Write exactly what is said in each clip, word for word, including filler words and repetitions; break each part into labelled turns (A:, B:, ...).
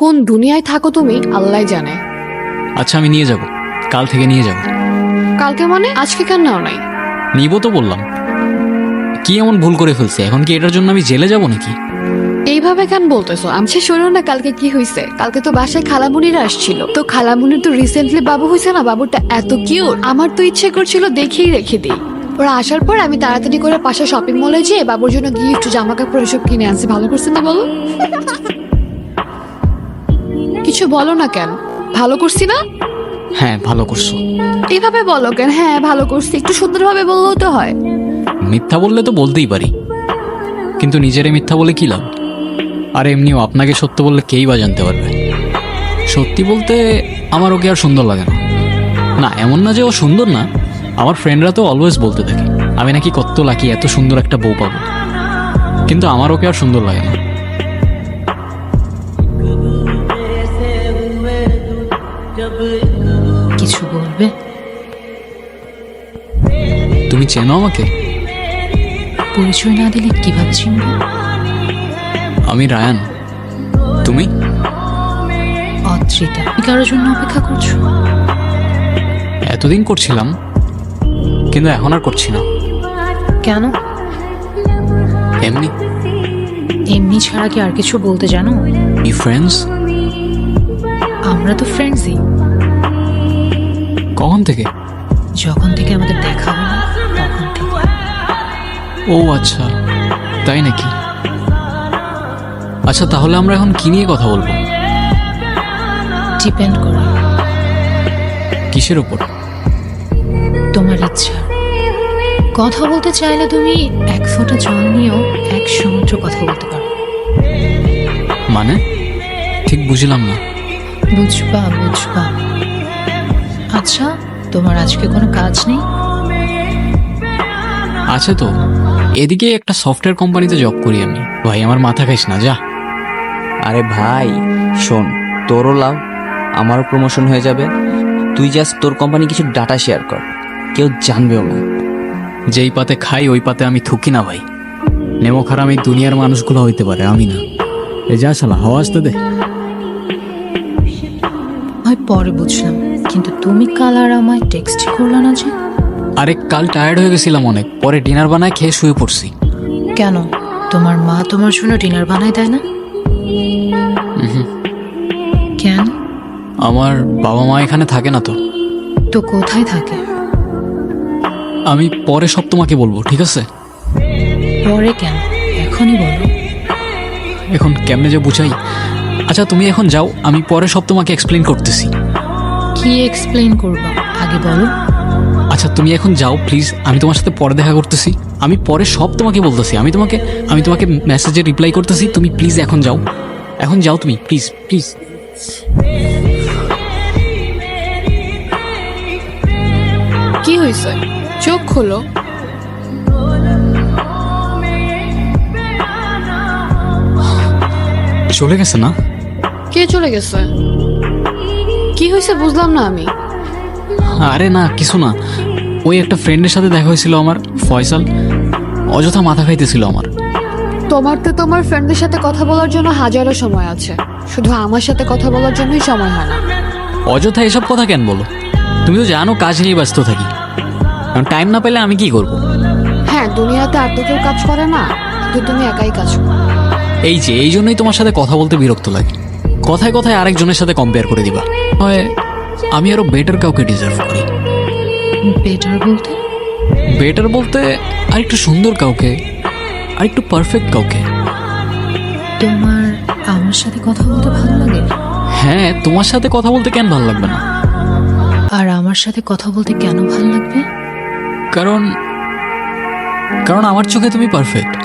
A: কোন দুনিয়ায় থাকো তুমি আল্লাহ জানে।
B: আচ্ছা আমি নিয়ে যাব, কাল থেকে নিয়ে যাব।
A: কালকে মানে আজকে কেন নাও নাই?
B: নিব তো বললাম। কি এমন ভুল করে ফেলছে? এখন কি এটার জন্য আমি জেলে যাব নাকি?
A: এইভাবে কেন বলতেছো? আমি শোনো না কালকে কি হয়েছে। কালকে তো বাসায় খালামুনিরা আসছিল, তো খালামুনির তো রিসেন্টলি বাবু হয়েছে না, বাবুটা এত কিউট, আমার তো ইচ্ছে করছিল দেখেই রেখে দিই। ওরা আসার পর আমি তাড়াতাড়ি করে পাশে শপিং মলে যেয়ে বাবুর জন্য গিফট জামা কাপড় এসব কিনে আনছি। ভালো করছে না বলো? কিছু বলো না কেন? ভালো করছি না?
B: হ্যাঁ ভালো করছো।
A: এইভাবে বলো কেন? হ্যাঁ ভালো করছি, একটু সুন্দরভাবে বললেও তো হয়।
B: মিথ্যা বললে তো বলতেই পারি, কিন্তু নিজেরে মিথ্যা বলে কি লাভ? আর এমনিও আপনাকে সত্য বললে কেই বা জানতে পারবে। সত্যি বলতে আমার ওকে আর সুন্দর লাগে না। না এমন না যে ও সুন্দর না, আমার ফ্রেন্ডরা তো অলওয়েজ বলতে থাকে আমি নাকি কত লাকি, এত সুন্দর একটা বউ পাবো, কিন্তু আমার ওকে আর সুন্দর লাগে না।
C: কিছু বলবে?
B: তুমি চেনো আমাকে?
C: পরিচয় না দিলে কিভাবে চিনব?
B: আমি রায়ান। তুমি?
C: অত্রিতা। তুমি কারোর জন্য অপেক্ষা করছো?
B: এতদিন করছিলাম, কিন্তু এখন আর করছি না।
C: কেন?
B: এমনি।
C: এমনি ছাড়া কি আর কিছু বলতে জানো?
B: ই ফ্রেন্ডস।
C: আমরা তো ফ্রেন্ডসই।
B: কখন থেকে?
C: যখন থেকে আমাদের দেখা হলো তখন থেকে।
B: ও আচ্ছা, তাই নাকি? আচ্ছা তাহলে আমরা এখন কি নিয়ে কথা বলবো?
C: ডিপেন্ড করে
B: কিসের উপর?
C: তোমার ইচ্ছা। কথা বলতে চাইলে তুমি এক ফোঁটা জল নিয়েও এক সমুদ্র কথা বলতে পারো।
B: মানে ঠিক বুঝলাম না।
C: বুঝবা বুঝবা। আচ্ছা তোমার আজকে কোনো কাজ নেই?
B: আছে তো, এদিকে একটা সফটওয়্যার কোম্পানিতে জব করি আমি। ভাই আমার মাথা খাইস না, যা।
D: আরে ভাই শোন, তোরও লাভ, আমারও প্রমোশন হয়ে যাবে। তুই জাস্ট তোর কোম্পানি কিছু ডাটা শেয়ার কর, কেউ জানবেও না।
B: যেই পাতে খাই ওই পাতে আমি থুকি না ভাই। নেমো খারাপ এই দুনিয়ার মানুষগুলো হইতে পারে, আমি না। এ যা শালা, হাওয়া আসতে দে।
C: হয় পরে বুঝলাম, কিন্তু তুমি কাল আর আমায় টেক্সট করলা না যে?
B: আরে কাল টায়ার্ড হয়ে গেছিলাম অনেক, পরে ডিনার বানায় খেয়ে শুয়ে পড়ছি।
C: কেন? তোমার মা তোমার জন্য ডিনার বানায় দেয় না? কেন?
B: আমার বাবা মা এখানে থাকে না তো।
C: তো কোথায় থাকে?
B: আমি পরে সব তোমাকে বলবো, ঠিক আছে?
C: পরে কেন, এখনই বলো।
B: এখন কেমনে যে বুঝাই। আচ্ছা তুমি এখন যাও, আমি পরে সব তোমাকে এক্সপ্লেন করতেছি।
C: কি এক্সপ্লেইন করবা আগে বলো।
B: আচ্ছা তুমি এখন যাও প্লিজ, আমি তোমার সাথে পরে দেখা করতেছি। আমি পরে সব তোমাকে বলতেছি। আমি তোমাকে আমি তোমাকে মেসেজে রিপ্লাই করতেছি, তুমি প্লিজ এখন যাও। এখন যাও তুমি, প্লিজ প্লিজ।
A: কি হয়েছে? চোখ খোলো।
B: চলে গেছে না?
A: কে চলে গেছে? কি হয়েছে বুঝলাম না আমি।
B: আরে না কিছু না, ওই একটা ফ্রেন্ডের সাথে দেখা হয়েছিল আমার, ফয়সাল। অযথা মাথা খাইতেছিল আমার।
A: তোমার তো তোমার ফ্রেন্ডদের সাথে কথা বলার জন্য হাজারো সময় আছে, শুধু আমার সাথে কথা বলার জন্যই সময় হয় না।
B: অযথা এসব কথা কেন বলো? তুমি তো জানো কাজ নিয়ে ব্যস্ত থাকি, কারণ টাইম না পেলে আমি কি করব?
A: হ্যাঁ দুনিয়াতে আর তো কেউ কাজ করে না, কিন্তু তুমি একাই কাজ করো।
B: এই যে এই জন্যই তোমার সাথে কথা বলতে বিরক্ত লাগে। কথায় কথায় আরেকজনের সাথে কম্পেয়ার করে দিবা। হয় আমি আরো বেটার কাউকে ডিজার্ভ করি।
C: বেটার বলতে?
B: বেটার বলতে আর একটু সুন্দর কাউকে, আর একটু পারফেক্ট কাউকে।
C: তোমার আমার সাথে কথা বলতে ভালো লাগে?
B: হ্যাঁ তোমার সাথে কথা বলতে কেন ভালো লাগবে না?
C: আর আমার সাথে কথা বলতে কেন ভালো লাগবে?
B: কারণ কারণ আমার চোখে তুমি পারফেক্ট।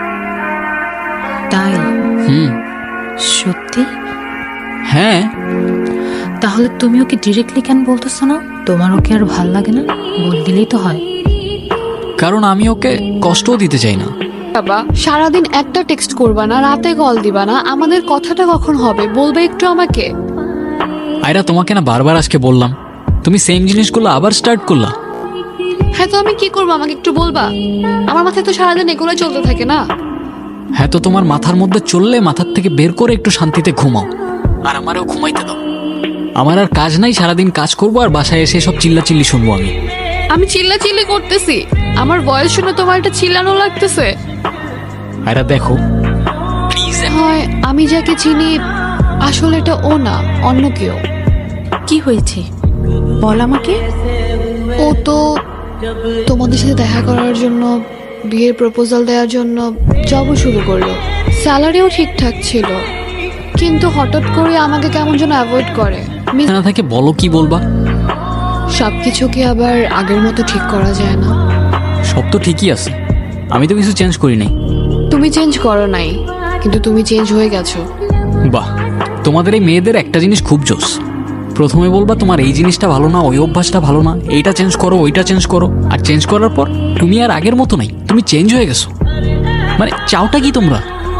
C: তাই?
B: হুম।
C: সত্যি?
B: হ্যাঁ।
C: তাহলে তুমি ওকে ডিরেক্টলি কেন বলতেছো না তোমার ওকে আর ভাল লাগে না? বল দিলেই তো হয়।
B: কারণ আমি ওকে কষ্টও দিতে চাই না।
A: বাবা সারাদিন একটা টেক্সট করবা না, রাতে কল দিবা না, আমাদের কথাটা কখন হবে বলবে একটু আমাকে।
B: আয়রা তোমাকে না বারবার আজকে বললাম, তুমি সেম জিনিসগুলো আবার স্টার্ট করলা।
A: হ্যাঁ তো আমি কি করবো আমাকে একটু বলবা? আমার মাথায় তো সারাদিন এগুলো চলতে থাকে না।
B: হ্যাঁ তো তোমার মাথার মধ্যে চললে মাথার থেকে বের করে একটু শান্তিতে ঘুমাও। আর আমারও ঘুমাইতে দাও। আমার আর কাজ নাই, সারাদিন কাজ করবো আর বাসায় এসে সব চিল্লা চিল্লি শুনবো আমি।
A: আমি চিল্লা চিল্লি করতেছি? আমার ভয়েস শুনে তোমার এটা চিল্লানো লাগতেছে?
B: আয়রা দেখো প্লিজ।
A: হয় আমি যাকে চিনি আসলে এটা ও না, অন্য কেউ।
C: কি হয়েছে বল আমাকে।
A: ও তো তোমাদের সাথে দেখা করার জন্য, বিয়ের প্রপোজাল দেওয়ার জন্য জবও শুরু করলো। স্যালারিও ঠিকঠাক ছিল, কিন্তু হঠাৎ করে আমাকে কেমন যেন অ্যাভয়েড করে। মি-
B: না থাকে বলো কি বলবা।
A: সবকিছু কি আবার আগের মতো ঠিক করা যায় না?
B: সব তো ঠিকই আছে, আমি তো কিছু চেঞ্জ করি নাই।
A: তুমি চেঞ্জ করো নাই, কিন্তু তুমি চেঞ্জ হয়ে গেছো।
B: বাহ, তোমাদের এই মেয়েদের একটা জিনিস খুব জোস। প্রথমে বলবা তোমার এই জিনিসটা ভালো না, ওই অভ্যাসটা ভালো না, এইটা চেঞ্জ করো, ওইটা চেঞ্জ করো, আর চেঞ্জ করার পর তুমি আর আগের মতো নাই, তুমি চেঞ্জ হয়ে গেছো। মানে চাওটা কি তোমরা?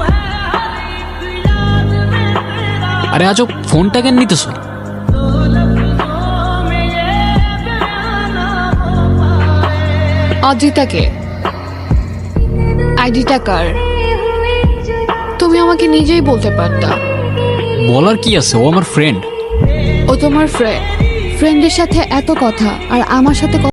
B: আরে আজও ফোনটা কেন নিতেছো?
A: অদ্রিতাকে আইডিটা কার? তুমি আমাকে নিজেই বলতে পারতা।
B: বলার কি আছে, ও আমার ফ্রেন্ড।
A: ও তোমার ফ্রেন্ড, ফ্রেন্ডের সাথে এত কথা আর আমার সাথে